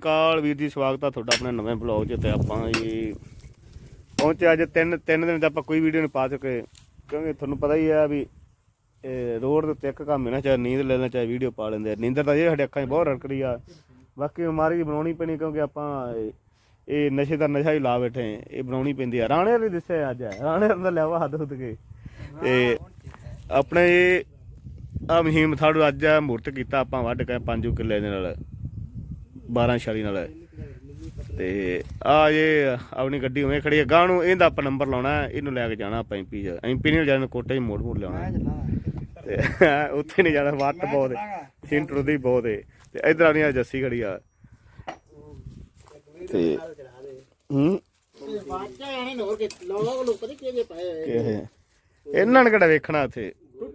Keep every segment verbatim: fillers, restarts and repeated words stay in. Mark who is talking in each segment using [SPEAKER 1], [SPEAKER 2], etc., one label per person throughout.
[SPEAKER 1] ਅਕਾਲ ਵੀਰ ਜੀ, ਸਵਾਗਤ ਆ ਤੁਹਾਡਾ ਆਪਣੇ ਨਵੇਂ ਬਲੌਗ 'ਚ। ਤੇ ਆਪਾਂ ਜੀ ਪਹੁੰਚੇ ਅੱਜ ਤਿੰਨ ਤਿੰਨ ਦਿਨ 'ਚ ਆਪਾਂ ਕੋਈ ਵੀਡੀਓ ਨਹੀਂ ਪਾ ਚੁੱਕੇ, ਕਿਉਂਕਿ ਤੁਹਾਨੂੰ ਪਤਾ ਹੀ ਆ ਵੀ ਰੋਡ ਦੇ ਉੱਤੇ ਇੱਕ ਕੰਮ ਹੈ ਨਾ, ਚਾਹੇ ਨੀਂਦ ਲੈ ਲੈਣਾ ਚਾਹੇ ਵੀਡੀਓ ਪਾ ਲੈਂਦੇ ਆ। ਨੀਂਦਰ ਤਾਂ ਇਹ ਸਾਡੇ ਅੱਖਾਂ 'ਚ ਬਹੁਤ ਰੜਕਦੀ ਆ, ਬਾਕੀ ਬਿਮਾਰੀ ਬਣਾਉਣੀ ਪੈਣੀ, ਕਿਉਂਕਿ ਆਪਾਂ ਇਹ ਨਸ਼ੇ ਦਾ ਨਸ਼ਾ ਹੀ ਲਾ ਬੈਠੇ, ਇਹ ਬਣਾਉਣੀ ਪੈਂਦੀ ਆ। ਰਾਣੇ ਵਾਲੀ ਦੱਸਿਆ ਅੱਜ ਰਾਣੇ ਦਾ ਲਿਆਵਾ ਹੱਦ ਹੁੱਦ ਕੇ ਤੇ ਆਪਣੇ ਇਹ ਆਹ ਮਹੀਮ ਸਾਡੂ ਅੱਜ ਮੂਰਤ ਕੀਤਾ ਆਪਾਂ ਵੱਢ ਕੇ ਪੰਜ ਕਿੱਲੇ ਦੇ ਨਾਲ ਬਾਰਾਂ ਛਾਲੀ ਨਾਲ। ਤੇ ਆ ਇਹ ਆਪਣੀ ਗੱਡੀ ਉਵੇਂ ਖੜੀ ਹੈ, ਗਾਹ ਨੂੰ ਇਹਦਾ ਆਪਾਂ ਨੰਬਰ ਲਾਉਣਾ, ਇਹਨੂੰ ਲੈ ਕੇ ਜਾਣਾ ਆਪਾਂ ਐਮ ਪੀ 'ਚ। ਐਮ ਪੀ ਨਹੀਂ ਜਾਣਾ, ਕੋਟੇ 'ਚ ਮੋੜ ਮੋੜ ਲਿਆਉਣਾ ਤੇ ਉੱਥੇ ਨਹੀਂ ਜਾਣਾ, ਵੱਟ ਬਹੁਤ ਸਿੰਟਰ ਦੀ ਬਹੁਤ ਹੈ। ਤੇ ਇੱਧਰ ਆਉਣੀ ਆ ਜੱਸੀ ਖੜੀ ਆ ਤੇ ਹੂੰ ਇਹਨਾਂ ਨੇ ਕਿਹੜਾ ਵੇਖਣਾ ਉੱਥੇ।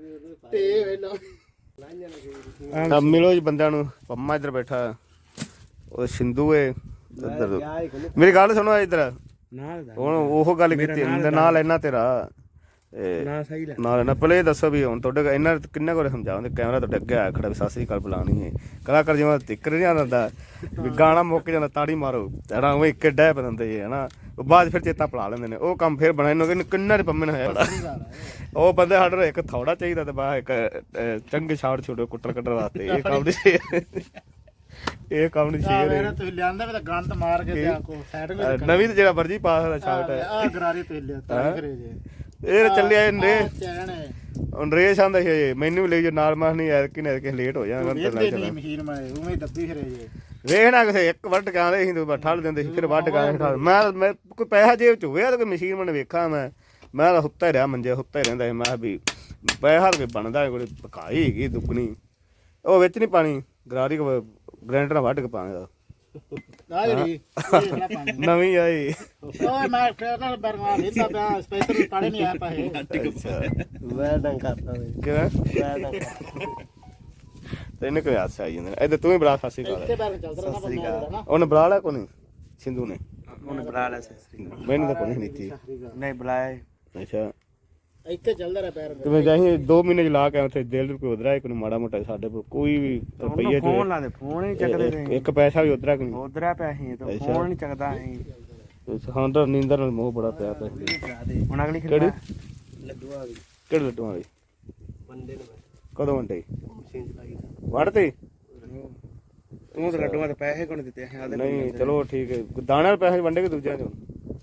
[SPEAKER 1] ਮਿਲੋ ਜੀ ਬੰਦਿਆਂ ਨੂੰ। ਪੰਮਾ ਇੱਧਰ ਬੈਠਾ, ਉਹ ਸਿੰਧੂ ਏ ਇੱਧਰ। ਮੇਰੀ ਗੱਲ ਸੁਣੋ ਇੱਧਰ, ਹੁਣ ਉਹ ਗੱਲ ਕੀਤੀ ਨਾਲ ਇਹਨਾਂ ਤੇਰਾ ਨਾਲ ਨਾ ਪਹਿਲੇ ਇਹ ਦੱਸੋ ਵੀ ਹੁਣ ਤੁਹਾਡੇ ਇਹਨਾਂ ਕਿੰਨੇ ਕੋਲ ਸਮਝਾਉਂਦੇ, ਕੈਮਰਾ ਤੁਹਾਡੇ ਅੱਗੇ ਆਇਆ ਖੜਾ ਵੀ ਸਤਿ ਸ੍ਰੀ ਅਕਾਲ ਬੁਲਾਉਣੀ ਹੈ। ਕਲਾਕਾਰ ਜਿਵੇਂ ਤਿੱਕਰ ਨਹੀਂ ਆਉਂਦਾ ਵੀ ਗਾਣਾ ਮੁੱਕ ਜਾਂਦਾ ਤਾੜੀ ਮਾਰੋ ਹਨਾ, ਉਹ ਇੱਕ ਡੈ ਪਦੰਦੇ ਜੇ ਹਨਾ, ਉਹ ਬਾਅਦ ਫਿਰ ਚੇਤਾ ਭੁਲਾ ਲੈਂਦੇ ਨੇ। ਉਹ ਕੰਮ ਫਿਰ ਬਣਾ ਇਹਨੂੰ ਕਿੰਨਾ ਦੇ ਪੰਮੇ ਨੇ ਹੋਇਆ। ਉਹ ਬੰਦੇ ਸਾਡੇ ਇੱਕ ਥੋੜਾ ਚਾਹੀਦਾ ਤੇ ਬਾਅਦ ਇੱਕ ਚੰਗੇ ਸ਼ਾਟ ਛੋਟੇ ਕੁੱਟਰ ਕੱਢਣ ਵਾਸਤੇ। ਇਹ ਕੰਮ ਨਹੀਂ ਇਹ ਕੰਮ ਨਹੀਂ ਸੀ। ਤੁਸੀਂ ਲਿਆਂਦਾ ਵੀ ਤਾਂ ਗੰਦ ਮਾਰ ਕੇ ਨਵੀਂ ਤੇ ਜਿਹੜਾ ਮਰਜੀ ਪਾ ਸਕਦਾ ਸ਼ਾਟ ਹੈ। ਆ ਗਰਾਰੀ ਤੇ ਲਿਆ ਤਾਂ ਕਰੇ ਜੇ ਇਹ ਚੱਲਿਆ ਇਹਨੇ ਹੁਣ ਰੇਸ ਆਂਦਾ ਸੀ ਮੈਨੂੰ ਵੀ ਲੈ ਜਾ ਨਾਲ। ਮਾਰ ਨਹੀਂ ਐਤਕੀ ਨੇ ਐਤਕੀ ਲੇਟ ਹੋ ਜਾਣਾ ਵੇਖਣਾ ਕਿਸੇ ਇੱਕ ਵੱਢ ਕੇ ਆਉਂਦੇ ਸੀ ਤੂੰ ਠੱਲ ਦਿੰਦੇ ਸੀ, ਫਿਰ ਵੱਢ ਕੇ ਮੈਂ ਮੈਂ ਕੋਈ ਪੈਸਾ ਜੇਬ ਚ ਹੋਇਆ ਤਾਂ ਕੋਈ ਮਸ਼ੀਨ ਮੈਨੂੰ ਵੇਖਾਂ। ਮੈਂ ਮੈਂ ਤਾਂ ਹੁੱਤਾ ਹੀ ਰਿਹਾ ਮੰਜੇ, ਹੁੱਤਾ ਹੀ ਰਹਿੰਦਾ ਸੀ। ਮੈਂ ਵੀ ਪੈਸਾ ਤਾਂ ਬਣਦਾ ਕੋਈ ਪਕਾਈ ਹੈਗੀ ਦੁੱਗਣੀ, ਉਹ ਵਿੱਚ ਨਹੀਂ ਪਾਣੀ ਗਰਾਰੀ ਗ੍ਰੈਂਡਰ ਨਾਲ ਵੱਢ ਕੇ ਪਾਣੀ ਦਾ ਨਵੀਂ ਆਈ ਤੈਨੂੰ ਕੋਈ ਹਾਦਸਾ ਆਈ ਜਾਂਦਾ। ਇੱਧਰ ਤੂੰ ਹੀ ਬੜਾ ਫਾਸੀ ਕਰ ਉਹਨੇ ਬੁਲਾ ਲਿਆ ਕੋਨੀ ਸਿੰਧੂ ਨੇ, ਉਹਨੇ ਬੁਲਾ ਲਿਆ ਮੈਨੂੰ ਤਾਂ ਕੋਈ ਨਹੀਂ ਨਹੀਂ ਬੁਲਾਇਆ। ਅੱਛਾ ਇੱਥੇ ਚੱਲਦਾ ਰਿਹਾ ਪੈਰ ਤੇ ਜਾਈ ਦੋ ਮਹੀਨੇ ਚ ਲਾ ਕੇ ਉੱਥੇ ਦਿਲ ਕੋਈ ਉਧਰਾ ਕੋਈ ਮਾੜਾ ਮੋਟਾ ਸਾਡੇ ਕੋਲ ਕੋਈ ਵੀ ਰੁਪਈਏ ਚ ਫੋਨ ਲਾਦੇ ਫੋਨ ਹੀ ਚੱਕਦੇ ਨੇ, ਇੱਕ ਪੈਸਾ ਵੀ ਉਧਰਾ ਕੋਈ ਉਧਰਾ ਪਿਆ ਸੀ ਤੇ ਫੋਨ ਨਹੀਂ ਚੱਕਦਾ ਸੀ। ਹਾਂ ਤਾਂ ਨੀਂਦਰ ਨਾਲ ਮੋਹ ਬੜਾ ਪਿਆ ਪਿਆ। ਹੁਣ ਅਗਲੀ ਕਿਹੜੀ ਲੱਡੂਆਂ ਵਾਲੀ, ਕਿਹੜੇ ਲੱਡੂਆਂ ਵਾਲੀ ਬੰਦੇ ਨੇ ਕਦੋਂ ਵੰਡੇ ਮਸ਼ੀਨ ਚਲਾਈ ਵੜਤੇ ਤੂੰ ਤਾਂ ਲੱਡੂਆਂ ਦੇ ਪੈਸੇ ਕੋਣ ਦਿੱਤੇ ਆ? ਨਹੀਂ ਚਲੋ ਠੀਕ ਹੈ, ਦਾਣੇ ਵਾਲੇ ਪੈਸੇ ਵੰਡੇ ਕਿ ਦੂਜਿਆਂ ਚੋਂ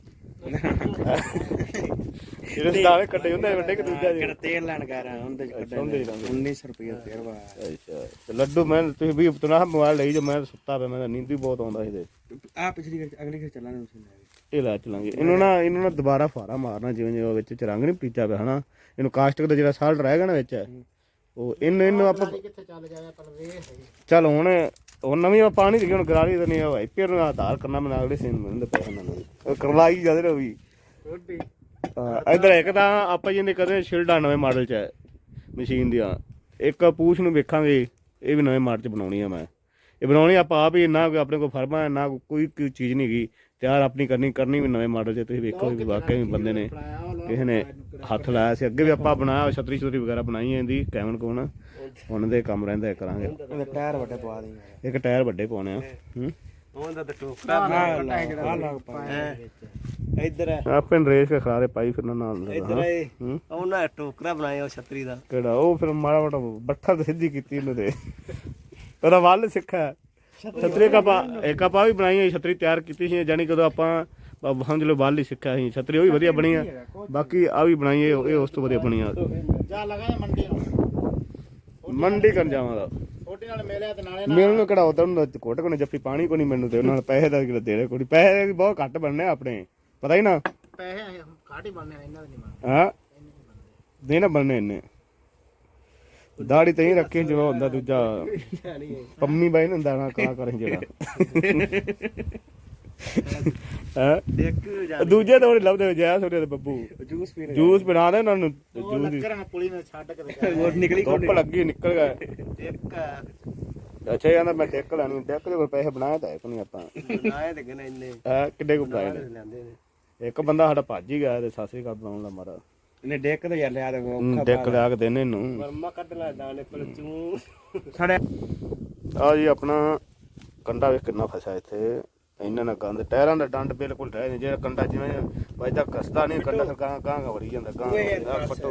[SPEAKER 1] ਜਿਹੜੇ ਦਾਣੇ ਕੱਟੇ ਹੁੰਦੇ ਵੱਡੇ ਕਿ ਦੂਜਾ ਜਿਹੜਾ ਤੇਲ ਲੈਣ ਗਿਆ ਰਾਂ ਉਹਦੇ ਚ ਕੱਢੇ ਉੱਨੀ ਸੌ ਰੁਪਏ ਤੇਲ ਵਾ। ਅੱਛਾ ਲੱਡੂ ਮੈਂ ਤੁਸੀਂ ਵੀ ਤੁਨਾ ਮੋਬਾਈਲ ਲਈ ਜੋ ਮੈਂ ਸੁੱਤਾ ਪਿਆ, ਮੈਂ ਨੀਂਦ ਵੀ ਬਹੁਤ ਆਉਂਦਾ ਸੀ। ਆ ਪਿਛਲੀ ਅਗਲੀ ਫਿਰ ਚੱਲਾਂਗੇ ਇਹ ਲੈ ਚਲਾਂਗੇ ਇਹਨੂੰ ਨਾ। ਇਹਨੂੰ ਨਾ ਦੁਬਾਰਾ ਫਾਰਾ ਮਾਰਨਾ ਜਿਵੇਂ ਜਿਵੇਂ ਵਿੱਚ ਚ ਰੰਗ ਨੀ ਪੀਚਾ ਪਿਆ ਹਨਾ। ਇਹਨੂੰ ਕਾਸਟਿਕ ਦਾ ਜਿਹੜਾ ਸਾਲਟ ਰਹਿ ਗਿਆ ਨਾ ਵਿੱਚ ਉਹ ਇਹਨੂੰ ਇਹਨੂੰ ਆਪਾਂ ਚੱਲ ਹੁਣ ਹੁਣ ਨਵੀਂ ਪਾਣੀ ਦੀ ਹੁਣ ਗਰਾਰੀ ਤਾਂ ਨਹੀਂ ਵਾਈਪਰ ਨੂੰ ਆਧਾਰ ਕਰਨਾ ਮੈਂ ਅਗਲੇ ਸੀਨ ਮਿਲਦੇ ਪੈਸੇ ਨਾਲ ਕਰਵਾਈ ਜਾਂਦੇ ਰਹੋ ਵੀ। ਇੱਧਰ ਇੱਕ ਤਾਂ ਆਪਾਂ ਜਿਹਨੇ ਕਦੇ ਸ਼ਿਲਡਾ ਨਵੇਂ ਮਾਡਲ 'ਚ ਹੈ ਮਸ਼ੀਨ ਦੀਆਂ, ਇੱਕ ਪੂਛ ਨੂੰ ਵੇਖਾਂਗੇ ਇਹ ਵੀ ਨਵੇਂ ਮਾਡਲ 'ਚ ਬਣਾਉਣੀ ਆ। ਮੈਂ ਇਹ ਬਣਾਉਣੀ ਆਪਾਂ ਆਪ ਹੀ, ਨਾ ਆਪਣੇ ਕੋਲ ਫਰਮਾ ਹੈ ਨਾ ਕੋਈ ਕੋਈ ਚੀਜ਼ ਨਹੀਂ ਹੈਗੀ, ਤਿਆਰ ਆਪਣੀ ਕਰਨੀ ਕਰਨੀ ਵੀ ਨਵੇਂ ਮਾਡਲ 'ਚ। ਤੁਸੀਂ ਵੇਖੋ ਵੀ ਵਾਕਿਆ ਵੀ ਬੰਦੇ ਨੇ ਕਿਸੇ ਨੇ ਹੱਥ ਲਾਇਆ ਸੀ। ਅੱਗੇ ਵੀ ਆਪਾਂ ਬਣਾਇਆ ਛਤਰੀ ਛਤਰੀ ਵਗੈਰਾ ਬਣਾਈ ਇਹਦੀ ਕੈਮਨ ਕੋਨ, ਹੁਣ ਦੇ ਕੰਮ ਰਹਿੰਦਾ ਕਰਾਂਗੇ। ਟਾਇਰ ਵੱਡੇ ਪਵਾ ਦੇ, ਇੱਕ ਟਾਇਰ ਵੱਡੇ ਪਾਉਣੇ ਆ। ਹੂੰ ਇੱਧਰ ਆਪੇ ਰੇਸ ਕੇ ਖਿਲਾਰੇ ਪਾਈ ਫਿਰਨਾ ਨਾਲ। ਇੱਧਰ ਉਹਨਾਂ ਟੋਕਰਾ ਬਣਾਇਆ ਉਹ ਛਤਰੀ ਦਾ ਕਿਹੜਾ, ਉਹ ਫਿਰ ਮਾੜਾ ਮੋਟਾ ਬੱਠਾ ਤੇ ਸਿੱਧੀ ਕੀਤੀ ਇਹਨੂੰ ਤੇ ਉਹਦਾ ਵੱਲ ਸਿੱਖਿਆ। ਛਤਰੀ ਕਪਾ ਇੱਕ ਆਪਾਂ ਵੀ ਬਣਾਈ ਹੋਈ ਛਤਰੀ ਤਿਆਰ ਕੀਤੀ ਸੀ, ਜਾਣੀ ਕਦੋਂ ਆਪਾਂ ਸਮਝ ਲਓ ਵੱਲ ਹੀ ਸਿੱਖਿਆ ਸੀ। ਛਤਰੀ ਉਹ ਵੀ ਵਧੀਆ ਬਣੀ ਆ, ਬਾਕੀ ਆ ਵੀ ਬਣਾਈ ਇਹ ਉਸ ਤੋਂ ਵਧੀਆ ਬਣੀ ਆ। ਮੰਡੀ ਕਰਨ ਜਾਵਾਂਗਾ ਮੈਨੂੰ ਕਿਹੜਾ ਉਧਰ ਨੂੰ ਘੁੱਟ ਕੋਨੇ ਜੱਫੀ ਪਾਣੀ ਕੋ ਨੀ ਮੈਨੂੰ ਤੇ ਉਹਨਾਂ ਪੈਸੇ ਦਾ ਦੇਣੇ ਕੋਈ ਪੈਸੇ ਵੀ ਬਹੁਤ ਘੱਟ ਬਣਨੇ ਆਪਣੇ, ਪਤਾ ਹੀ ਨਾ ਪੈਸੇ ਘੱਟ ਹੀ ਬਣਨੇ ਇਹਨਾਂ ਦੇ ਨਹੀਂ ਹਾਂ ਦੇ ਨਾ ਬਣਨੇ ਇੰਨੇ। ਦਾੜੀ ਤੇ ਹੀ ਰੱਖੀ ਜਿਵੇਂ ਹੁੰਦਾ ਦੂਜਾ ਪੰਮੀ ਬਾਈ ਹੁੰਦਾ ਨਾ ਕਾ ਕਰੇ ਜਿਹੜਾ ਹੈ ਦੂਜੇ ਤਾਂ ਲੱਭਦੇ ਜੈ ਛੋਟੇ ਬੱਬੂ ਜੂਸ ਪੀ ਜੂਸ ਬਣਾ ਦੇ ਉਹਨਾਂ ਨੂੰ। ਧੁੱਪ ਲੱਗੀ ਨਿਕਲ ਗਿਆ। ਅੱਛਾ ਕਹਿੰਦਾ ਮੈਂ ਟਿੱਕ ਲੈਣੀ, ਟਿੱਕ ਦੇ ਕੋਲ ਪੈਸੇ ਬਣਾਏ ਤਾਂ ਨਹੀਂ ਆਪਾਂ ਹੈ ਕਿੱਡੇ ਕੋ ਬਣਾਏ ਨੇ। ਇੱਕ ਬੰਦਾ ਸਾਡਾ ਭੱਜ ਹੀ ਗਿਆ ਤੇ ਸਤਿ ਸ੍ਰੀ ਅਕਾਲ ਬਣਾਉਣ ਦਾ ਮਾਰਾ ਇਹਨੇ ਡਿੱਕ ਤੇ ਯਾਰ ਲਿਆ ਡਿੱਕ ਲਿਆ ਕੇ ਦੇਣੇ ਇਹਨੂੰ ਕੱਢ ਲੈ ਦਾਣੇ ਆ ਜੀ ਆਪਣਾ ਕੰਡਾ ਵੇਖ ਕਿੰਨਾ ਫਸਿਆ ਇੱਥੇ ਇਹਨਾਂ ਨਾਲ ਗੰਦ ਟਾਇਰਾਂ ਦਾ ਡੰਡ ਬਿਲਕੁਲ ਰਹਿ ਨਹੀਂ ਜਿਹੜਾ ਕੰਡਾ ਜਿਵੇਂ ਵੱਜਦਾ ਕਸਦਾ ਨਹੀਂ ਕੰਡਾ ਫਿਰ ਗਾਂ ਗਾਂ ਵੜੀ ਜਾਂਦਾ ਗਾਂ ਪੱਟੋ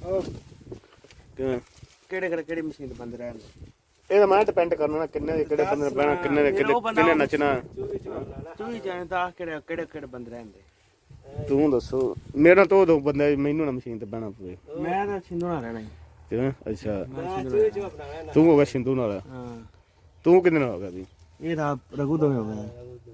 [SPEAKER 1] ਕਿਵੇਂ
[SPEAKER 2] ਕਿਹੜੇ ਕਿਹੜੇ ਕਿਹੜੀ ਮਸ਼ੀਨ ਤੇ ਬੰਦ ਰਹਿਣ
[SPEAKER 1] ਇਹਦਾ ਮੈਂ ਡਿਪੈਂਡ ਕਰਨਾ ਨਾ ਕਿੰਨੇ ਦੇ ਕਿਹੜੇ ਬੰਦੇ ਨੇ ਬਹਿਣਾ ਕਿੰਨੇ ਦੇ ਕਿਹੜੇ ਕਿੰਨੇ ਨੱਚਣਾ
[SPEAKER 2] ਤੂੰ ਹੀ ਜਾਣਦਾ ਕਿਹੜੇ ਕਿਹੜੇ ਕਿਹੜੇ ਬੰਦ ਰਹਿੰਦੇ
[SPEAKER 1] ਤੂੰ ਦੱਸੋ ਮੇਰਾ ਤੋਂ ਦੋ ਬੰਦੇ ਮੈਨੂੰ ਨਾ ਮਸ਼ੀਨ ਤੇ ਬਹਿਣਾ ਪਵੇ
[SPEAKER 2] ਮੈਂ ਤਾਂ ਸਿੰਧੂ ਨਾਲ ਰਹਿਣਾ
[SPEAKER 1] ਕਿਵੇਂ ਅੱਛਾ ਤੂੰ ਹੋ ਗਿਆ ਸਿੰਧੂ ਨਾਲ
[SPEAKER 2] ਹਾਂ
[SPEAKER 1] ਤੂੰ ਕਿੰਨੇ ਨਾਲ ਹੋ ਗਿਆ ਵੀ
[SPEAKER 2] ਇਹ ਤਾਂ ਰਘੂ ਦੋਵੇਂ ਹੋ ਗਏ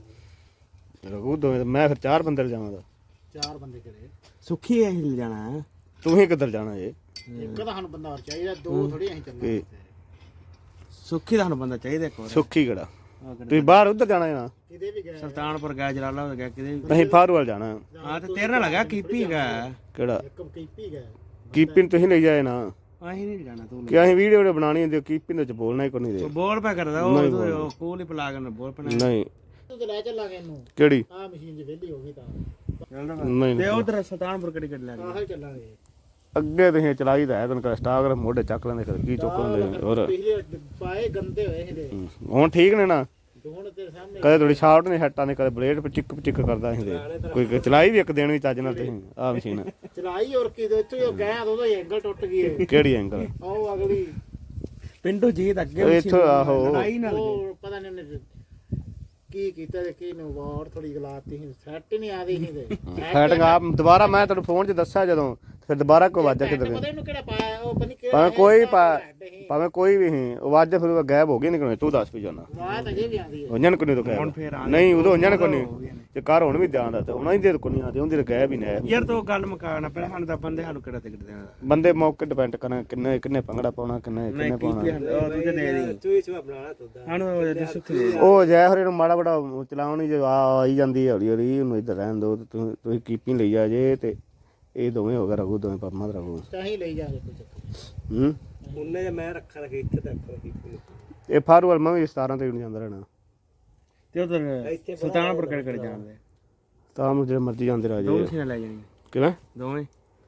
[SPEAKER 1] ਰਘੂ ਦੋਵੇਂ ਮੈਂ ਫਿਰ ਚਾਰ ਬੰਦੇ ਜਾਵਾਂਗਾ
[SPEAKER 2] ਚਾਰ ਬੰਦੇ ਕਿਹੜੇ ਸੁੱਖੀ ਐ ਹਿਲ ਜਾਣਾ
[SPEAKER 1] ਤੂੰ ਹੀ ਕਿੱਧਰ ਜਾਣਾ ਜੇ
[SPEAKER 2] ਇੱਕ ਤਾਂ ਸਾਨੂੰ ਬੰਦਾ ਹੋਰ ਚਾਹੀਦਾ ਦੋ ਥੋੜੀ ਅਸੀਂ ਚੱਲਣਾ
[SPEAKER 1] ਕੀ
[SPEAKER 2] ਸੁੱਖੀ ਦਾ ਸਾਨੂੰ ਬੰਦਾ ਚਾਹੀਦਾ ਇੱਕ ਹੋਰ
[SPEAKER 1] ਸੁੱਖੀ ਕਿਹੜਾ ਤੁਸੀਂ ਬਾਹਰ ਉੱਧਰ ਜਾਣਾ ਹੈ ਨਾ
[SPEAKER 2] ਕਿਤੇ ਵੀ ਗਏ ਸੁਲਤਾਨਪੁਰ ਗਿਆ ਜਲਾਲਾਬਾਦ ਗਿਆ ਕਿਤੇ ਵੀ
[SPEAKER 1] ਅਸੀਂ ਫਾਰੂਵਾਲ ਜਾਣਾ
[SPEAKER 2] ਹਾਂ ਤੇ ਤੇਰੇ ਨਾਲ ਲੱਗਾ ਕੀਪੀ ਹੈਗਾ
[SPEAKER 1] ਕਿਹੜਾ
[SPEAKER 2] ਇੱਕ ਕੀਪੀ ਗਿਆ
[SPEAKER 1] ਕੀਪਿੰਗ ਤੁਸੀਂ ਲੈ ਜਾਏ ਨਾ
[SPEAKER 2] ਅਸੀਂ ਨਹੀਂ ਜਾਣਾ ਤੂੰ
[SPEAKER 1] ਕਿ ਅਸੀਂ ਵੀਡੀਓ ਬਣਾਣੀ ਹੁੰਦੀ ਕੀਪਿੰਗ ਵਿੱਚ ਬੋਲਣਾ ਹੀ ਕੋਈ ਨਹੀਂ ਦੇ
[SPEAKER 2] ਬੋਲ ਪਾ ਕਰਦਾ ਉਹ ਕੋਲ ਹੀ ਪਲਾ ਕੇ ਬੋਲ ਪਣਾ
[SPEAKER 1] ਨਹੀਂ
[SPEAKER 2] ਤੂੰ ਤੇ ਲੈ ਚੱਲਾਂਗੇ ਇਹਨੂੰ
[SPEAKER 1] ਕਿਹੜੀ
[SPEAKER 2] ਆ ਮਸ਼ੀਨ ਜੇ ਵਿਹਲੀ ਹੋ ਗਈ ਤਾਂ
[SPEAKER 1] ਨਹੀਂ
[SPEAKER 2] ਤੇ ਉਧਰ ਸੁਲਤਾਨਪੁਰ ਕਿਹੜੀ ਕਿਹੜੀ ਲੈ ਆਹ ਚੱਲਾਂਗੇ
[SPEAKER 1] ਅੱਗੇ ਤੁਸੀਂ ਚਲਾਈ ਤਾਂ ਹੈ ਤੈਨੂੰ ਇੰਸਟਾਗ੍ਰਾਮ ਮੋਢੇ ਚੱਕ ਲੈਂਦੇ ਫਿਰ ਕੀ ਚੁੱਕ ਲੈਂਦੇ ਹੋਰ
[SPEAKER 2] ਪਿਛਲੇ ਪਾਏ ਗੰਦੇ ਹੋਏ ਇਹਦੇ
[SPEAKER 1] ਹੁਣ ਠੀਕ ਨੇ ਨਾ
[SPEAKER 2] ਦੋਣ ਤੇਰੇ ਸਾਹਮਣੇ
[SPEAKER 1] ਕਦੇ ਥੋੜੀ ਸ਼ਾਰਟ ਨੇ ਹੱਟਾਂ ਨੇ ਕਦੇ ਬਲੇਡ ਪਚਿੱਕ ਪਚਿੱਕ ਕਰਦਾ ਸੀ ਕੋਈ ਚਲਾਈ ਵੀ ਇੱਕ ਦਿਨ ਵੀ ਚੱਜ ਨਾਲ ਤੁਸੀਂ ਆਹ ਮਸ਼ੀਨ
[SPEAKER 2] ਚਲਾਈ ਹੋਰ ਕੀ ਦੇ ਇੱਥੋਂ ਗਿਆ ਉਦੋਂ ਹੀ ਐਂਗਲ ਟੁੱਟ ਗਈ
[SPEAKER 1] ਕਿਹੜੀ ਐਂਗਲ
[SPEAKER 2] ਉਹ ਅਗਲੀ ਪਿੰਡੂ ਜੀਤ ਅੱਗੇ
[SPEAKER 1] ਇੱਥੋਂ ਆਹੋ
[SPEAKER 2] ਲੜਾਈ ਨਾਲ ਉਹ ਪਤਾ ਨਹੀਂ ਉਹਨੇ ਕੀ ਕੀਤਾ ਤੇ ਕੀ ਨੂੰ ਵਾਰ ਥੋੜੀ ਗਲਾਤੀ ਸੀ ਸੈੱਟ ਨਹੀਂ ਆਦੀ ਸੀ ਤੇ
[SPEAKER 1] ਸੈਟਿੰਗ ਆਪ ਦੁਬਾਰਾ ਮੈਂ ਤੁਹਾਨੂੰ ਫੋਨ 'ਚ ਦੱਸਿਆ ਜਦੋਂ ਫਿਰ ਦੁਬਾਰਾ ਕੋਈ ਵਾਜਾ ਕਿੱਧਰ
[SPEAKER 2] ਪਤਾ ਇਹਨੂੰ ਕਿਹੜਾ ਪਾਇਆ ਉਹ ਪਤਾ ਨਹੀਂ ਕਿਹੜਾ
[SPEAKER 1] ਭਾਵੇਂ ਕੋਈ ਪਾ ਭਾਵੇਂ ਕੋਈ ਵੀ ਸੀ ਉਹ ਵਾਜਾ ਫਿਰ ਗਾਇਬ ਹੋ ਗਈ ਨਿਕਲਣੇ ਤੂੰ ਦੱਸ ਵੀ ਜਾਣਾ
[SPEAKER 2] ਬਾਤ ਅਜੇ ਵੀ ਆਦੀ ਹੈ
[SPEAKER 1] ਉਹਨਾਂ ਕੋਲ ਨਹੀਂ ਤਾਂ ਨਹੀਂ ਉਦੋਂ ਉਹਨਾਂ ਕੋਲ ਨਹੀਂ ਤੇ ਘਰ ਹੁਣ ਵੀ ਧਿਆਨ ਦਾ ਉਹਨਾਂ ਦੀ ਦੇ ਕੋਲ ਨਹੀਂ ਆਦੇ ਉਹਦੀ ਗਾਇਬ ਹੀ ਨਹੀਂ
[SPEAKER 2] ਯਾਰ ਤੂੰ ਗੱਲ ਮੁਕਾਣਾ ਪਹਿਲਾਂ ਸਾਨੂੰ ਤਾਂ ਬੰਦੇ ਸਾਨੂੰ ਕਿਹੜਾ ਟਿਕਟ ਦੇਣਾ
[SPEAKER 1] ਬੰਦੇ ਮੌਕੇ ਡਿਪੈਂਡ ਕਰਨਾ ਕਿੰਨੇ ਕਿੰਨੇ ਭੰਗੜਾ ਪਾਉਣਾ ਕਿੰਨੇ ਕਿੰਨੇ ਪਾਉਣਾ
[SPEAKER 2] ਉਹ ਤੂੰ ਦੇ ਦੇ ਤੂੰ ਇਸ ਬਣਾਣਾ ਤੂੰ ਸਾਨੂੰ ਸੁੱਖੀ
[SPEAKER 1] ਉਹ ਜੈ ਹਰੇ ਨੂੰ ਮਾੜਾ ਬੜਾ ਚਲਾਉਣੀ ਜੇ ਆਈ ਜਾਂਦੀ ਹੌਲੀ ਹੌਲੀ ਉਹਨੂੰ ਇੱਧਰ ਰਹਿਣ ਦੋ ਤੁਸੀਂ ਕੀਪਿੰਗ ਲਈ ਜਾ ਜੇ ਤੇ ਇਹ ਦੋਵੇਂ ਹੋ ਗਏ ਰਘੂ ਦੋਵੇਂ ਪਰਮਾ ਰਘੂ
[SPEAKER 2] ਚਾਹੀ ਲਈ ਜਾ ਕੋਈ ਚੱਕਰ
[SPEAKER 1] ਹੂੰ
[SPEAKER 2] ਉਹਨੇ ਜੇ ਮੈਂ ਰੱਖਾ ਰੱਖੇ ਇੱਥੇ ਤੱਕ
[SPEAKER 1] ਇਹ ਫਾਰੂਵਾਲ ਮੈਂ ਵੀ ਸਤਾਰਾਂ ਤਰੀਕ ਨੂੰ ਜਾਂਦਾ ਰਹਿਣਾ
[SPEAKER 2] ਤੇ ਉਧਰ ਸੁਲਤਾਨਪੁਰ ਕਿਹੜੇ ਕਿਹੜੇ ਜਾਣਦੇ
[SPEAKER 1] ਤਾਂ ਨੂੰ ਜਿਹੜੇ ਮਰਜ਼ੀ ਜਾਂਦੇ ਰਾਜੇ
[SPEAKER 2] ਦੋਵੇਂ ਸੀ ਲੈ ਜਾਣੀ
[SPEAKER 1] ਕਿਵੇਂ
[SPEAKER 2] ਦੋਵੇਂ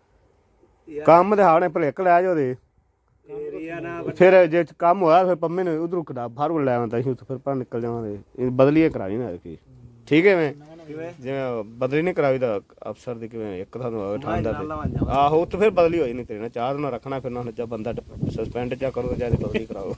[SPEAKER 1] ਕੰਮ ਦੇ ਹਾਣੇ ਭਲੇਕ ਲੈ ਜਾਓ ਦੇ
[SPEAKER 2] ਏਰੀਆ ਨਾ
[SPEAKER 1] ਫਿਰ ਜੇ ਕੰਮ ਹੋਇਆ ਫਿਰ ਪੰਮੇ ਨੇ ਉਧਰੋਂ ਕਢਾ ਫਾਰੂਵਾਲ ਲੈ ਆਉਂਦਾ ਸੀ ਉੱਥੇ ਫਿਰ ਪਰ ਨਿਕਲ ਜਾਵਾਂਗੇ ਇਹ ਬਦਲੀਏ ਕਰਾਣੀ ਨਾ ਕੀ ਠੀਕ ਹੈ ਮੈਂ ਜਿਵੇਂ ਬਦਲੀ ਨਹੀਂ ਕਰਾਈ ਦਾ ਅਫਸਰ ਦੀ ਕਿਵੇਂ ਇੱਕ ਤੁਹਾਨੂੰ ਠਾਂਦਾ ਤੇ ਆਹੋ ਉੱਥੇ ਫਿਰ ਬਦਲੀ ਹੋਈ ਨਹੀਂ ਤੇਰੇ ਨਾਲ ਚਾਰ ਦਿਨ ਰੱਖਣਾ ਫਿਰ ਨਾ ਜਾਂ ਬੰਦਾ ਸਸਪੈਂਡ ਚਾ ਕਰੋ ਜਾਂ ਬਦਲੀ ਕਰਾਓ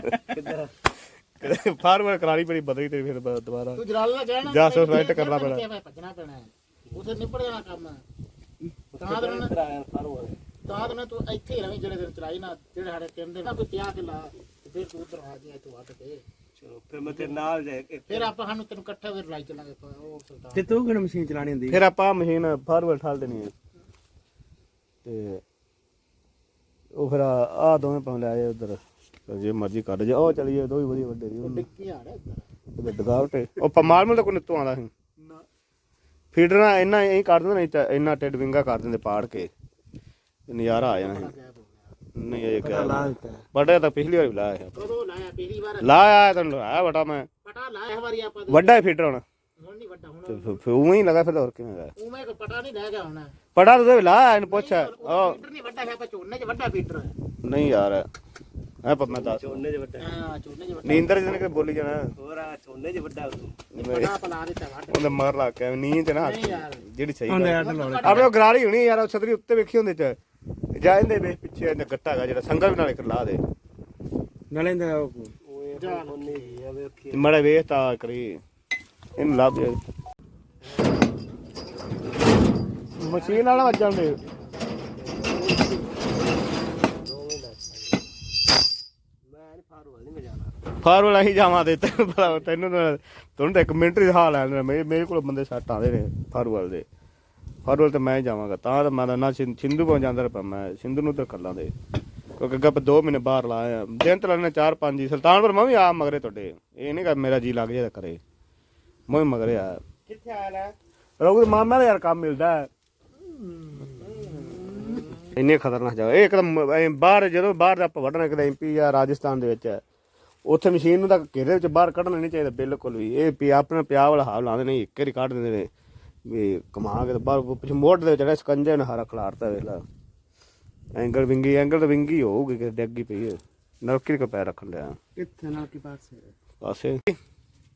[SPEAKER 1] ਫਾਰਵਰਡ ਕਰਾਣੀ ਪੜੀ ਬਦਲੀ ਤੇ ਫਿਰ ਦੁਬਾਰਾ
[SPEAKER 2] ਤੂੰ ਜਲਾਲਾ ਜਾਣਾ
[SPEAKER 1] ਜਾਂ ਸਸਪੈਂਡ ਕਰਨਾ ਪੈਣਾ
[SPEAKER 2] ਭੱਜਣਾ ਪੈਣਾ ਉਥੇ ਨਿਪੜ ਜਾਣਾ ਕੰਮ ਤਾਂ ਤਾਂ ਤਾਂ ਤਾਂ ਤੂੰ ਇੱਥੇ ਹੀ ਰਵੀਂ ਜਿਹੜੇ ਦਿਨ ਚਲਾਈ ਨਾ ਜਿਹੜੇ ਸਾਡੇ ਕਹਿੰਦੇ ਨਾ ਕੋਈ ਪਿਆ ਕੇ ਲਾ ਫਿਰ ਤੂੰ ਉਧਰ ਆ ਗਿਆ ਤੂੰ ਅੱਟ ਕੇ ਫਿਰ ਮੈਂ ਤੇਰੇ ਨਾਲ ਜਾ ਕੇ ਫਿਰ ਆਪਾਂ ਸਾਨੂੰ ਤੈਨੂੰ ਇਕੱਠਾ ਫਿਰ ਲਾਈ ਚੱਲਾਂਗੇ ਉਹ ਸਰਦਾਰ ਤੇ ਤੂੰ ਕਿਹੜੀ ਮਸ਼ੀਨ ਚਲਾਣੀ ਹੁੰਦੀ
[SPEAKER 1] ਫਿਰ ਆਪਾਂ ਮਸ਼ੀਨ ਫਾਰਵਰਡ ਠਾਲ ਦੇਣੀ ਹੈ ਤੇ ਉਹ ਫਿਰ ਆ ਦੋਵੇਂ ਪਾਉ ਲੈ ਆਏ ਉਧਰ ਜੇ ਮਰਜ਼ੀ ਕੱਢ ਜਾ ਉਹ ਚਲੀਏ ਦੋ ਹੀ ਵਧੀਆ ਵੱਡੇ ਦੀ
[SPEAKER 2] ਡਿੱਕੀ ਆ ਰਿਹਾ ਇੱਧਰ
[SPEAKER 1] ਡਗਾਵਟੇ ਉਹ ਪਮਾਲ ਨੂੰ ਤਾਂ ਕੋਈ ਨਿੱਤੋਂ ਆਉਂਦਾ ਸੀ ਫੀਡਰ ਨਾਲ ਇੰਨਾ ਐਂ ਕੱਢ ਦਿੰਦੇ ਨਹੀਂ ਇੰਨਾ ਟਿੱਡ ਵਿੰਗਾ ਕਰ ਦਿੰਦੇ ਪਾੜ ਕੇ ਨਜ਼ਾਰਾ ਆ ਜਾਣਾ ਸੀ ਨਹੀਂ ਇਹ ਕਿਹਾ ਬੜਾ ਤਾਂ ਪਿਛਲੀ ਵਾਰ ਵੀ ਲਾਇਆ
[SPEAKER 2] ਕਦੋਂ ਲਾਇਆ ਪਿਛਲੀ ਵਾਰ
[SPEAKER 1] ਲਾਇਆ ਤੈਨੂੰ ਲਾਇਆ ਬਟਾ ਮੈਂ
[SPEAKER 2] ਪਟਾ ਲਾਇਆ ਵਾਰੀ ਆਪਾਂ
[SPEAKER 1] ਵੱਡਾ ਫੀਡਰ ਹੁਣ
[SPEAKER 2] ਹੁਣ ਨਹੀਂ ਵੱਡਾ ਹੁਣ
[SPEAKER 1] ਫਿਰ ਉਵੇਂ ਹੀ ਲਗਾ ਫਿਰ ਹੋਰ ਕਿਵੇਂ ਲਗਾ
[SPEAKER 2] ਉਵੇਂ ਕੋ ਪਟਾ ਨਹੀਂ ਲੈ ਗਿਆ ਹੁਣ
[SPEAKER 1] ਪੜਾ ਤੂੰ ਲਾਇਆ ਇਹਨੂੰ ਪੁੱਛ ਉਹ
[SPEAKER 2] ਫੀਡਰ ਨਹੀਂ ਵੱਡਾ ਹੈ ਆਪਾਂ ਝੋਨੇ 'ਚ ਵੱਡਾ ਫੀਡਰ ਹੈ
[SPEAKER 1] ਨਹੀਂ ਯਾਰ ਹੈ ਪਰ ਮੈਂ ਦੱਸ
[SPEAKER 2] ਝੋਨੇ 'ਚ ਵੱਡਾ ਹਾਂ ਝੋਨੇ 'ਚ ਵੱਡਾ
[SPEAKER 1] ਨੀਂਦਰ ਜਿਹਨੇ ਕਿ ਬੋਲੀ ਜਾਣਾ
[SPEAKER 2] ਹੋਰ ਆ ਝੋਨੇ 'ਚ ਵੱਡਾ ਪਟਾ ਪਲਾ ਦਿੱਤਾ ਵੱਡਾ
[SPEAKER 1] ਉਹਨੇ ਮਾਰ ਲਾ ਕੇ ਨੀਂਦ ਨਾ ਜਿਹੜੀ ਸਹੀ
[SPEAKER 2] ਆਪਣੇ
[SPEAKER 1] ਆਪਣੇ ਗਰਾਰੀ ਹੋਣੀ ਯਾਰ ਛਤਰੀ ਉੱਤੇ ਵੇਖੀ ਹੁੰਦੇ ਚ ਜਾਂਦੇ ਵੇ ਪਿੱਛੇ ਇਹਨੇ ਗੱਟਾ ਹੈਗਾ ਜਿਹੜਾ ਸੰਗਾ ਵੀ ਨਾਲੇ ਲਾ ਦੇ
[SPEAKER 2] ਨਾਲੇ ਦਾ
[SPEAKER 1] ਮੜਾ ਵੇਖ ਤਾਂ ਕਰੀ ਇਹਨੂੰ ਲੱਭ ਦੇ ਮਸ਼ੀਨ ਵਾਲਾ ਵੱਜਣ ਦੇ ਫਾਰਵਲ ਅਸੀਂ ਜਾਵਾਂ ਤੇ ਤੈਨੂੰ ਤੈਨੂੰ ਤੁਹਾਨੂੰ ਤਾਂ ਇੱਕ ਮਿੰਟ ਹੀ ਹਾਲ ਆ ਮੇਰੇ ਮੇਰੇ ਕੋਲ ਬੰਦੇ ਸੱਟ ਆਉਂਦੇ ਨੇ ਫਾਰਵਲ ਦੇ ਫਾਰਵਲ ਤੇ ਮੈਂ ਜਾਵਾਂਗਾ ਤਾਂ ਮੈਂ ਨਾ ਸਿੰਧੂ ਪਹੁੰਚ ਜਾਂਦਾ ਰਿਹਾ ਮੈਂ ਸਿੰਧੂ ਨੂੰ ਤਾਂ ਕਰ ਲਾਂਦੇ ਕਿਉਂਕਿ ਅੱਗੇ ਦੋ ਮਹੀਨੇ ਬਾਹਰ ਲਾਇਆ ਦਿਨ ਤੇ ਲਾਣੇ ਚਾਰ ਪੰਜ ਹੀ ਸੁਲਤਾਨਪੁਰ ਮੈਂ ਵੀ ਆ ਮਗਰੇ ਤੁਹਾਡੇ ਇਹ ਨਹੀਂ ਕਰ ਮੇਰਾ ਜੀ ਲੱਗ ਜਾਏ ਕਰੇ ਮੈਂ ਵੀ ਮਗਰੇ ਆ
[SPEAKER 2] ਕਿੱਥੇ ਆਇਆ ਲੈ
[SPEAKER 1] ਰੋਗ ਮਾਮਾ ਦਾ ਯਾਰ ਕੰਮ ਮਿਲਦਾ ਇੰਨੇ ਖਤਰਨਾਕ ਜਗ੍ਹਾ ਇਹ ਇੱਕਦਮ ਬਾਹਰ ਜਦੋਂ ਬਾਹਰ ਦਾ ਆਪਾਂ ਵੱਢਣਾ ਕਿਤੇ ਐਮ ਪੀ ਜਾਂ ਰਾਜਸਥਾਨ ਦੇ ਵਿੱਚ ਉੱਥੇ ਮਸ਼ੀਨ ਨੂੰ ਤਾਂ ਘੇਰੇ ਵਿੱਚ ਬਾਹਰ ਕੱਢਣਾ ਨਹੀਂ ਚਾਹੀਦਾ ਬਿਲਕੁਲ ਵੀ ਇਹ ਪਿਆ ਆਪਣਾ ਪਿਆ ਵਾਲਾ ਹਾਲ ਲਾਉਂਦੇ ਨਹੀਂ ਇੱਕ ਵਾਰੀ ਕੱਢ ਦਿੰਦੇ ਨੇ ਵੀ ਕਮਾ ਕੇ ਬਾਹਰ ਪਿੱਛੇ ਮੋਢ ਦੇ ਵਿੱਚ ਜਿਹੜਾ ਸਕੰਜੇ ਨੇ ਹਾਰਾ ਖਿਲਾਰਤਾ ਵੇਖ ਲਾ ਐਂਗਲ ਵਿੰਗੀ ਐਂਗਲ ਤਾਂ ਵਿੰਗੀ ਹੋਊਗੀ ਕਿ ਡੱਗੀ ਪਈ ਹੈ ਨਲਕੀ ਕੋ ਪੈਰ ਰੱਖਣ ਲਿਆ
[SPEAKER 2] ਕਿੱਥੇ ਨਾਲ ਕੀ ਪਾਸੇ
[SPEAKER 1] ਪਾਸੇ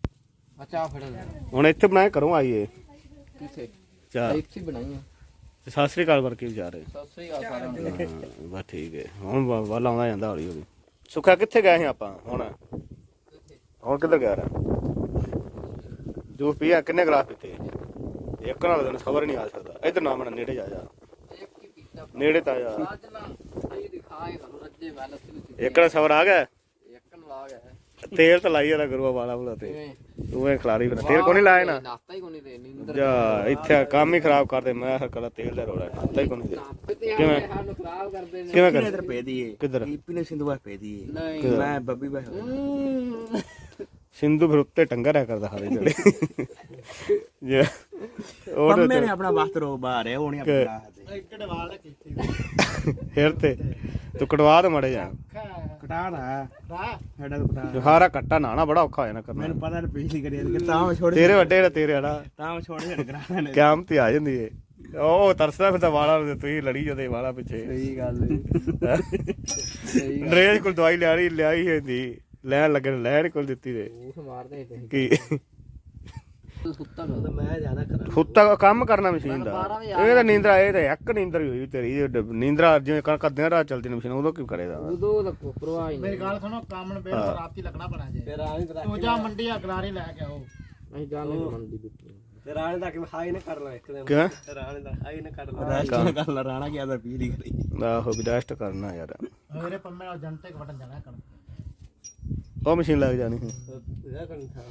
[SPEAKER 3] ਅੱਛਾ ਫੜ
[SPEAKER 1] ਹੁਣ ਇੱਥੇ ਬਣਾਏ ਘਰੋਂ ਆਈਏ
[SPEAKER 3] ਕਿੱਥੇ
[SPEAKER 1] ਚਾਹ
[SPEAKER 3] ਇੱਥੇ ਬਣਾਈਆਂ
[SPEAKER 1] ਤੇ ਸਤਿ ਸ੍ਰੀ ਅਕਾਲ ਵਰਕੇ ਵਿਚਾਰੇ
[SPEAKER 3] ਸਤਿ ਸ੍ਰੀ ਅਕਾਲ ਸਾਰਿਆਂ ਨੂੰ
[SPEAKER 1] ਹਾਂ, ਬਸ ਠੀਕ ਹੈ ਹੁਣ ਵ- ਵੱਲ ਆਉਂਦਾ ਜਾਂਦਾ ਹੌਲੀ ਹੌਲੀ ਸੁੱਖਾ ਕਿੱਥੇ ਗਏ ਸੀ ਆਪਾਂ ਹੁਣ ਹੁਣ ਕਿੱਧਰ ਗਿਆ ਰਾ ਜੂਸ ਪੀਆ ਕਿੰਨੇ ਗਲਾਸ ਪੀਤੇ ਇੱਕ ਨਾਲ ਤੈਨੂੰ ਖਬਰ ਨਹੀਂ ਆ ਸਕਦਾ ਇੱਧਰ ਨਾ ਮਨ ਨੇੜੇ ਜਾ ਜਾ
[SPEAKER 3] ਇੱਕ ਹੀ ਪੀਤਾ
[SPEAKER 1] ਨੇੜੇ ਤਾਂ ਜਾ
[SPEAKER 3] ਅੱਜ ਨਾ ਇਹ ਦਿਖਾਏ ਤੁਹਾਨੂੰ ਰੱਜੇ ਮੈਂ ਲੱਸੀ ਲੁੱਸੀ
[SPEAKER 1] ਇੱਕ ਨਾਲ ਸਬਰ ਆ ਗਿਆ
[SPEAKER 3] ਇੱਕ ਨੂੰ ਲਾ ਗਿਆ
[SPEAKER 1] ਤੇਲ ਤਾਂ ਲਾਈ ਜਾਂਦਾ ਗੁਰੂਆ ਵਾਲਾ ਬੁਲਾ ਤੇ
[SPEAKER 3] ਕਿਵੇਂ
[SPEAKER 1] ਤੂੰ ਇਹ ਖਿਲਾਰੀ ਫਿਰ ਤੇਲ ਕੋ ਨਹੀਂ ਲਾਇਆ ਨਾ
[SPEAKER 3] ਨਾਤਾ ਹੀ ਕੋਈ ਨਹੀਂ ਦੇ ਨੀਂਦਰ
[SPEAKER 1] ਜਾ ਇੱਥੇ ਕੰਮ ਹੀ ਖਰਾਬ ਕਰਦੇ ਮੈਂ ਹਰ ਕਲਾ ਤੇਲ ਦਾ ਰੋੜਾ ਨਾਤਾ ਹੀ ਕੋ ਨਹੀਂ ਦੇ
[SPEAKER 3] ਨਾਪੇ ਤੇ
[SPEAKER 1] ਕਿਵੇਂ?
[SPEAKER 3] ਆਏ ਸਾਨੂੰ ਖਰਾਬ ਕਰਦੇ ਨੇ
[SPEAKER 1] ਕਿਵੇਂ
[SPEAKER 4] ਕਿੰਨੇ
[SPEAKER 1] ਕਰ
[SPEAKER 4] ਦਰ ਪੈ ਦੀਏ
[SPEAKER 1] ਕਿੱਧਰ
[SPEAKER 4] ਕੀਪੀ ਨੇ ਸਿੰਧੂ ਬਾਸ ਪੈ ਦੀਏ
[SPEAKER 3] ਨਹੀਂ
[SPEAKER 4] ਮੈਂ ਬੱਬੀ ਬਾਸ
[SPEAKER 3] ਹਮ।
[SPEAKER 1] ਸਿੰਧੂ ਫਿਰ ਉੱਤੇ ਟੰਗਾ ਰਿਆ ਕਰਦਾ ਹਾਲੇ ਜਿਹੜੇ ਜੇ ਉਹ
[SPEAKER 4] ਪੰਮੇ ਨੇ ਆਪਣਾ ਵਕਤ ਰੋ ਬਾਹਰ ਹੈ ਉਹ ਨਹੀਂ ਆਪਣਾ ਹੱਦੇ
[SPEAKER 2] ਕਿਹੜੇ ਵਾਲ ਨੇ ਕੀਤੇ
[SPEAKER 1] ਫਿਰ ਤੇ ਤੂੰ ਕਟਵਾ ਦੇ ਮੜੇ ਜਾ
[SPEAKER 4] ਕਟਾ ਦਾ
[SPEAKER 2] ਰਾ
[SPEAKER 4] ਸਾਡਾ ਤਾਂ ਕਟਾ
[SPEAKER 1] ਜੁਹਾਰਾ ਕੱਟਾ ਨਾਣਾ ਬੜਾ ਔਖਾ ਹੋ ਜਾਣਾ ਕਰਨਾ
[SPEAKER 4] ਮੈਨੂੰ ਪਤਾ ਨਹੀਂ ਪਿਛਲੀ ਕਰੀ ਕਿ ਤਾਂ ਮੈਂ ਛੋੜ
[SPEAKER 1] ਤੇਰੇ ਵੱਡੇ ਨੇ ਤੇਰੇ ਹੜਾ
[SPEAKER 4] ਤਾਂ ਮੈਂ ਛੋੜ ਛੱਡ ਕਰਾ ਨੇ
[SPEAKER 1] ਕਿਆਮ ਤੇ ਆ ਜਾਂਦੀ ਏ ਉਹ ਤਰਸਦਾ ਫਿਰ ਤਾਂ ਵਾਲਾ ਨੂੰ ਤੁਸੀਂ ਲੜੀ ਜਦੇ ਵਾਲਾ ਪਿੱਛੇ
[SPEAKER 4] ਸਹੀ ਗੱਲ ਹੈ
[SPEAKER 3] ਸਹੀ
[SPEAKER 1] ਨਰੇਸ਼ ਕੋਲ ਦਵਾਈ ਲਿਆਰੀ ਲਿਆਈ ਹੁੰਦੀ ਲੈਣ ਲੱਗੇ ਨੇ ਲੈਣ ਕੋਲ ਦਿੱਤੀ ਤੇ
[SPEAKER 3] ਉਸ ਮਾਰਦੇ ਤੇ
[SPEAKER 1] ਕੀ
[SPEAKER 3] ਸੁੱਤਾ ਨਾ
[SPEAKER 4] ਮੈਂ ਜ਼ਿਆਦਾ ਕਰਾਂ
[SPEAKER 1] ਫੁੱਤਾ ਕੰਮ ਕਰਨਾ ਮਸ਼ੀਨ ਦਾ
[SPEAKER 3] ਬਾਰਾਂ ਵਜੇ
[SPEAKER 1] ਇਹ ਤਾਂ ਨੀਂਦਰਾ ਇਹ ਤਾਂ ਇੱਕ ਨੀਂਦਰ ਹੀ ਹੋਈ ਤੇਰੀ ਇਹ ਡ- ਨੀਂਦਰਾ ਜਿਵੇਂ ਕਣਕ ਅੱਧਿਆਂ ਰਾਤ ਚੱਲਦੀ ਨੇ ਮਸ਼ੀਨ ਉਦੋਂ ਕੀ ਕਰੇਗਾ
[SPEAKER 3] ਉਦੋਂ ਦਾ ਕੋਈ ਪਰਵਾਹ ਹੀ
[SPEAKER 2] ਮੇਰੀ
[SPEAKER 3] ਨਹੀਂ
[SPEAKER 2] ਗੱਲ ਸੁਣੋ ਕੰਮ ਨੂੰ ਬਿਲਕੁਲ ਰਾਤੀ ਲੱਗਣਾ ਪੈਣਾ ਜੇ
[SPEAKER 4] ਫਿਰ ਆਣੀ ਤਾਂ
[SPEAKER 2] ਤੂੰ ਜਾ ਮੰਡੀ ਆ ਗਰਾਰੀ ਲੈ ਕੇ ਆਓ
[SPEAKER 3] ਅਸੀਂ ਜਾਣੇ ਮੰਡੀ ਵਿੱਚ
[SPEAKER 4] ਫਿਰ ਆਣੇ ਤਾਂ ਕਿ ਹਾਈ ਨਾ ਕਰ ਲਾ ਇੱਕ ਦਿਨ
[SPEAKER 1] ਕਿਵੇਂ
[SPEAKER 4] ਰਾਣੇ ਦਾ ਹਾਈ ਨਾ ਕਰ ਲਾ ਰੈਸਟ ਨਾ ਕਰ ਲਾ ਰਾਣਾ ਗਿਆ ਤਾਂ ਪੀਲੀ ਕਰੀ
[SPEAKER 1] ਆਹੋ ਵੀ ਰੈਸਟ ਕਰਨਾ ਯਾਰ
[SPEAKER 2] ਮੇਰੇ ਪੰਮੇ ਨਾਲ ਜੰਟੇ ਕ ਵਟਣ ਜਾਣਾ ਕਰਨ
[SPEAKER 1] ਉਹ ਮਸ਼ੀਨ ਲੱਗ ਜਾਣੀ ਸੀ
[SPEAKER 4] ਇਹਦਾ ਕਰਨ ਥਾ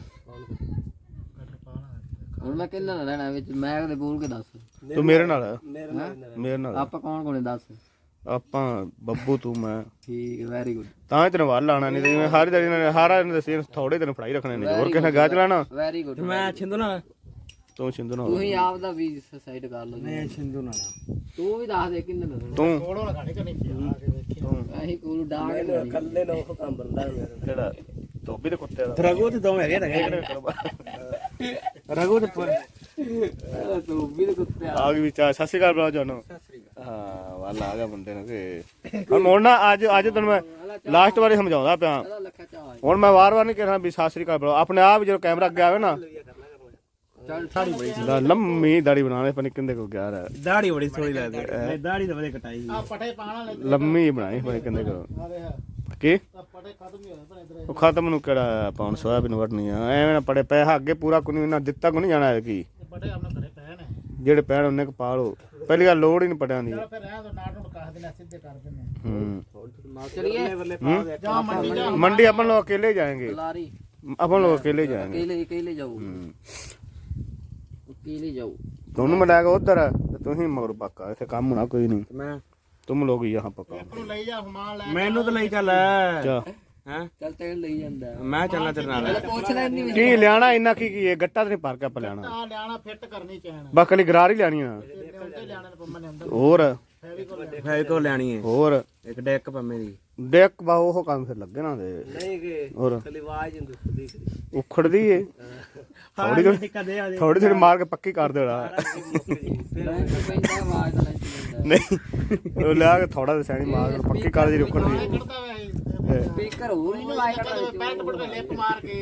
[SPEAKER 3] ਹੁਣ ਮੈਂ ਕਿੰਨਾ ਲੈਣਾ ਵਿੱਚ ਮੈਂ ਕਦੇ ਬੋਲ ਕੇ ਦੱਸ
[SPEAKER 1] ਤੂੰ ਮੇਰੇ ਨਾਲ
[SPEAKER 4] ਮੇਰੇ ਨਾਲ
[SPEAKER 1] ਮੇਰੇ ਨਾਲ
[SPEAKER 3] ਆਪਾਂ ਕੌਣ ਕੋਣੇ ਦੱਸ
[SPEAKER 1] ਆਪਾਂ ਬੱਬੂ ਤੂੰ ਮੈਂ
[SPEAKER 3] ਠੀਕ ਹੈ ਵੈਰੀ ਗੁੱਡ
[SPEAKER 1] ਤਾਂ ਹੀ ਤੈਨੂੰ ਵੱਲ ਲਾਣਾ ਨਹੀਂ ਤੇ ਜਿਵੇਂ ਹਰ ਦਿਨ ਨੇ ਹਾਰਾ ਨੇ ਦੱਸੇ ਥੋੜੇ ਦਿਨ ਫੜਾਈ ਰੱਖਣੇ ਨੇ ਹੋਰ ਕਿਸੇ ਨੇ ਗਾਹ ਚਲਾਣਾ
[SPEAKER 3] ਵੈਰੀ ਗੁੱਡ
[SPEAKER 4] ਮੈਂ ਛਿੰਦੂ ਨਾਲ
[SPEAKER 1] ਤੂੰ ਸਿੰਧੂ ਨਾਲ
[SPEAKER 3] ਤੁਸੀਂ ਆਪ ਦਾ ਵੀ ਸਾਈਡ ਕਰ ਲਓ
[SPEAKER 4] ਮੈਂ ਛਿੰਦੂ ਨਾਲ
[SPEAKER 3] ਤੂੰ ਵੀ ਦੱਸ ਦੇ ਕਿੰਨੇ ਦੱਸਣਾ
[SPEAKER 1] ਤੂੰ
[SPEAKER 2] ਕੋਲੋਂ ਲਗਾਣੇ ਕਰਨੀ ਪਿਆ ਆ ਕੇ ਵੇਖੀ
[SPEAKER 3] ਅਸੀਂ ਕੋਲ ਡਾਂਗ ਨਹੀਂ
[SPEAKER 4] ਕੱਲੇ ਨੂੰ ਉਹ ਕੰਮ ਬੰਦਾ ਮੇਰਾ
[SPEAKER 1] ਕਿਹੜਾ ਧੋਬੀ ਦੇ ਕੁੱਤੇ ਦਾ
[SPEAKER 4] ਰਗੂ ਤੇ ਦੋ ਹੈਗੇ ਨਾ ਰਗੂ ਤੇ ਪਰ
[SPEAKER 3] ਤੂੰ ਵੀ ਤੇ ਕੁੱਤੇ
[SPEAKER 1] ਆ ਗਈ ਵਿਚਾਰ ਸਤਿ ਸ਼੍ਰੀ ਅਕਾਲ ਬੁਲਾਓ ਜਾਨੋ ਹਾਂ ਵੱਲ ਆ ਗਿਆ ਬੰਦੇ ਨੂੰ ਕਿ ਹੁਣ ਮੋੜਨਾ ਅੱਜ ਅੱਜ ਤੈਨੂੰ ਮੈਂ ਲਾਸਟ ਵਾਰੀ ਸਮਝਾਉਂਦਾ ਪਿਆ
[SPEAKER 3] ਇਹਦਾ ਲੱਖਾ ਚਾਹ
[SPEAKER 1] ਹੁਣ ਮੈਂ ਵਾਰ-ਵਾਰ ਨਹੀਂ ਕਹਿਣਾ ਵੀ ਸਤਿ ਸ਼੍ਰੀ ਅਕਾਲ ਬੁਲਾਓ ਆਪਣੇ ਆਪ ਜਦੋਂ ਕੈਮਰਾ ਅੱਗੇ ਆਵੇ ਨਾ
[SPEAKER 3] ਚੱਲ ਸਾੜੀ ਬੜੀ
[SPEAKER 1] ਦਾ ਲੰਮੀ ਦਾੜੀ ਬਣਾਣੇ ਪਣੀ ਕਿੰਦੇ ਕੋ ਗਿਆ ਰ
[SPEAKER 4] ਦਾੜੀ ਬੜੀ ਸੋਹਣੀ ਲੱਗਦੀ ਮੈਂ ਦਾੜੀ ਤਾਂ ਵਧੀਆ ਕਟਾਈ
[SPEAKER 2] ਆ ਪਟੇ ਪਾਣ ਵਾਲੇ
[SPEAKER 1] ਲੰਮੀ ਬਣਾਈ ਪਣੀ ਕਿੰਦੇ ਕੋ
[SPEAKER 2] ਆ ਦੇਖ
[SPEAKER 1] ਕੀ
[SPEAKER 2] ਆ ਪਟੇ ਖਤਮ ਹੀ ਹੋਏ ਪਰ ਇਧਰ
[SPEAKER 1] ਉਹ ਖਤਮ ਨੂੰ ਕਿਹੜਾ ਪਾਉਣ ਸੋਇਆਬੀਨ ਵੜਨੀ ਆ ਐਵੇਂ ਨਾ ਪੜੇ ਪੈਸਾ ਅੱਗੇ ਪੂਰਾ ਕੋਈ ਨਹੀਂ ਦਿੱਤਾ ਕੋ ਨਹੀਂ ਜਾਣਾ ਹੈ ਕੀ
[SPEAKER 2] ਪਟੇ ਆਪਣੇ ਘਰੇ ਪਏ ਨੇ
[SPEAKER 1] ਜਿਹੜੇ ਪੈਣ ਉਹਨੇ ਕ ਪਾ ਲਓ ਪਹਿਲੀ ਗੱਲ ਲੋੜ ਹੀ ਨਹੀਂ ਪੜਿਆਂ ਦੀ
[SPEAKER 2] ਚਲੋ ਫਿਰ ਰਹਿ ਦੋ ਨਾਟ ਨੂੰ ਕਾਹ ਦੇਣਾ ਸਿੱਧੇ ਕਰ ਦਿੰਦੇ
[SPEAKER 1] ਹੂੰ
[SPEAKER 3] ਚਲਿਏ
[SPEAKER 2] ਜਾ ਮੰਡੀ ਜਾ
[SPEAKER 1] ਮੰਡੀ अपन लोग अकेले जाएंगे
[SPEAKER 3] ਲਾਰੀ
[SPEAKER 1] अपन लोग अकेले जाएंगे
[SPEAKER 3] ਅਕੇਲੇ ਅਕੇਲੇ ਜਾਓ
[SPEAKER 1] हम्म।
[SPEAKER 3] ਅਕੇਲੇ ਜਾਓ
[SPEAKER 1] दोनों में जाएगा उधर है तो तुम ही मगर पक्का ऐसे काम होना कोई नहीं
[SPEAKER 4] ਮੈਂ
[SPEAKER 1] तुम लोग ही यहाँ पक्का
[SPEAKER 2] ਨੂੰ ਲਈ ਜਾ ਸਮਾਨ ਲੈ
[SPEAKER 4] ਮੈਨੂੰ ਤਾਂ ਲਈ ਚੱਲ
[SPEAKER 1] क्या
[SPEAKER 4] ਹਾਂ
[SPEAKER 3] ਚੱਲ ਤੇਲ ਲਈ ਜਾਂਦਾ
[SPEAKER 4] ਮੈਂ ਚੱਲਣਾ ਤੇਰੇ ਨਾਲ
[SPEAKER 3] ਪੁੱਛ ਲੈਣੀ
[SPEAKER 1] की लियाना इन्ना की की है गट्टा तो नहीं पार के लियाना
[SPEAKER 2] ਆ ਲਿਆਣਾ ਫਿੱਟ ਕਰਨੀ ਚੈਨ
[SPEAKER 1] बस खाली गरार ही लियानी है
[SPEAKER 2] ਉੱਤੇ ਲਿਆਣੇ ਨੇ ਪੰਮਾ ਨੇ ਅੰਦਰ
[SPEAKER 1] और
[SPEAKER 2] ਫੈਵੀ ਕੋਲ
[SPEAKER 4] ਫੈਲ ਕੋ ਲੈਣੀ ਹੈ
[SPEAKER 1] और
[SPEAKER 4] ਇੱਕ ਡੈਕ ਪੰਮੇ ਦੀ
[SPEAKER 1] देख बा वो काम फिर लगे ना दे
[SPEAKER 4] ਨਹੀਂ ਕਿ
[SPEAKER 1] और
[SPEAKER 4] ਖਲੀ ਆਵਾਜ਼ ਹੁੰਦੀ ਖੁਦੀ
[SPEAKER 1] उखड़ दी है थोड़ी थोड़ी
[SPEAKER 4] ਕਦੇ ਆ
[SPEAKER 1] थोड़ी थोड़ी मार के पक्की कर देना
[SPEAKER 3] ਬੈਂਕ ਪੈਂਦਾ ਆਵਾਜ਼ ਦਾ ਲੈਂਚ ਪੈਂਦਾ
[SPEAKER 1] नहीं वो लिया के थोड़ा सा सैनी मार के पक्की कर दी उखड़ दी
[SPEAKER 2] ਕੱਢਦਾ ਵੇ
[SPEAKER 3] ਸਪੀਕਰ ਹੋਰ ਨਹੀਂ ਲਾਇਆ ਕਰਦਾ
[SPEAKER 2] ਪੈਂਟ ਪੁੱਟ ਕੇ ਲਿਪ ਮਾਰ ਕੇ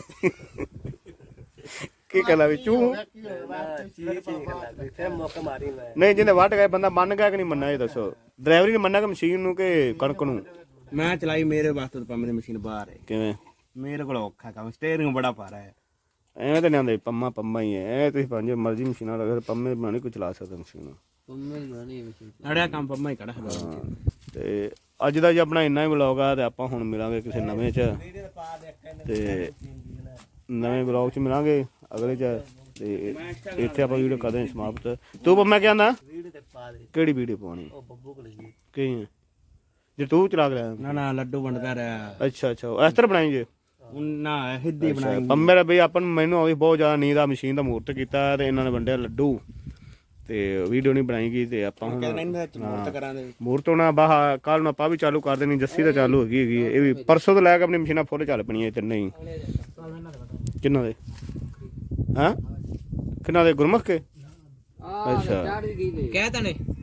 [SPEAKER 1] की कहला भी चू
[SPEAKER 2] ਕੀ ਹੋਇਆ
[SPEAKER 4] ਫਿਰ ਮੌਕਾ ਮਾਰੀ ਮੈਂ
[SPEAKER 1] ਨਹੀਂ ਜਿਹਨੇ ਵੱਢ ਗਏ ਬੰਦਾ ਮੰਨ ਗਿਆ ਕਿ ਨਹੀਂ ਮੰਨਿਆ ਇਹ ਦੱਸੋ ਡਰਾਈਵਰੀ ਨੇ ਮੰਨਿਆ ਕਿ ਮਸ਼ੀਨ ਨੂੰ ਕਿ ਕਣਕ ਨੂੰ
[SPEAKER 4] ਮੈਂ ਚਲਾਈ ਮੇਰੇ ਵਾਸਤੇ ਤਾਂ ਪੰਮੇ ਦੀ ਮਸ਼ੀਨ ਬਾਹਰ ਹੈ
[SPEAKER 1] ਕਿਵੇਂ
[SPEAKER 4] ਮੇਰੇ ਕੋਲ ਔਖਾ ਕੰਮ ਸਟੀਅਰਿੰਗ ਬੜਾ ਭਾਰਾ ਹੈ
[SPEAKER 1] ਐਵੇਂ ਤਾਂ ਨਹੀਂ ਆਉਂਦੇ ਪੰਮਾ ਪੰਮਾ ਹੀ ਹੈ ਇਹ ਤੁਸੀਂ ਪੰਜ ਮਰਜ਼ੀ ਮਸ਼ੀਨਾਂ ਲਗਾ ਪੰਮੇ ਬਣਾ ਨਹੀਂ ਕੋਈ ਚਲਾ ਸਕਦਾ ਮਸ਼ੀਨ
[SPEAKER 3] ਤੁਮੇ ਬਣੀ ਮਸ਼ੀਨ
[SPEAKER 4] ਅੜਿਆ ਕੰਮ ਪੰਮਾ ਹੀ ਕੜਾ
[SPEAKER 1] ਹਾਂ ਤੇ ਅੱਜ ਦਾ ਜੀ ਆਪਣਾ ਇੰਨਾ ਹੀ ਵਲੌਗ ਆ ਤੇ ਆਪਾਂ ਹੁਣ ਮਿਲਾਂਗੇ ਕਿਸੇ ਨਵੇਂ ਚ ਤੇ ਨਵੇਂ ਵਲੌਗ ਚ ਮਿਲਾਂਗੇ ਅਗਲੇ ਚ ਤੇ ਇੱਥੇ ਆਪਾਂ ਵੀਡੀਓ ਕਰਦੇ ਹਾਂ ਸਮਾਪਤ ਤੂੰ ਪੰਮਾ ਕੀ ਆਂਦਾ
[SPEAKER 4] ਵੀਡੀਓ ਤੇ ਪਾ ਦੇ
[SPEAKER 1] ਕਿਹੜੀ ਵੀਡੀਓ ਪਾਉਣੀ
[SPEAKER 4] ਉਹ ਬੱਬੂ ਕੋਲ ਜੀ
[SPEAKER 1] ਕੀ ਹੈ ਜੇ ਤੂੰ ਚਲਾ ਕੇ ਲਿਆ
[SPEAKER 4] ਨਾ ਨਾ ਲੱਡੂ ਵੰਡਦਾ ਰਿਹਾ
[SPEAKER 1] ਅੱਛਾ ਅੱਛਾ ਇਸ ਤਰ੍ਹਾਂ ਬਣਾਈ ਜੇ
[SPEAKER 4] ਨਾ ਹਿੱਦੀ ਬਣਾਈ
[SPEAKER 1] ਪੰਮੇ ਦਾ ਬਈ ਆਪਾਂ ਨੂੰ ਮੈਨੂੰ ਆਉਂਦੀ ਬਹੁਤ ਜ਼ਿਆਦਾ ਨੀਂਦ ਆ ਮਸ਼ੀਨ ਦਾ ਮੂਰਤ ਕੀਤਾ ਤੇ ਇਹਨਾਂ ਨੇ ਵੰਡਿਆ ਲੱਡੂ ਤੇ ਵੀਡੀਓ ਨਹੀਂ ਬਣਾਈ ਗਈ ਤੇ ਆਪਾਂ ਹੁਣ
[SPEAKER 4] ਮੂਰਤ ਕਰਾਂਗੇ
[SPEAKER 1] ਮੂਰਤ ਹੋਣਾ ਬਾਹ ਕੱਲ ਨੂੰ ਆਪਾਂ ਵੀ ਚਾਲੂ ਕਰ ਦੇਣੀ ਜੱਸੀ ਤਾਂ ਚਾਲੂ ਹੈਗੀ ਹੈਗੀ ਇਹ ਵੀ ਪਰਸੋਂ ਤੋਂ ਲੈ ਕੇ ਆਪਣੀ ਮਸ਼ੀਨਾਂ ਫੁੱਲ ਚੱਲ ਪਣੀਆਂ ਤਿੰਨੇ ਹੀ ਕਿੰਨਾ ਦੇ ਹਾਂ ਕਿੰਨਾ ਦੇ ਗੁਰਮੁਖ ਕੇ
[SPEAKER 3] ਆ ਚਾੜ ਵੀ ਗਈ
[SPEAKER 4] ਕਹਿ ਤਨੇ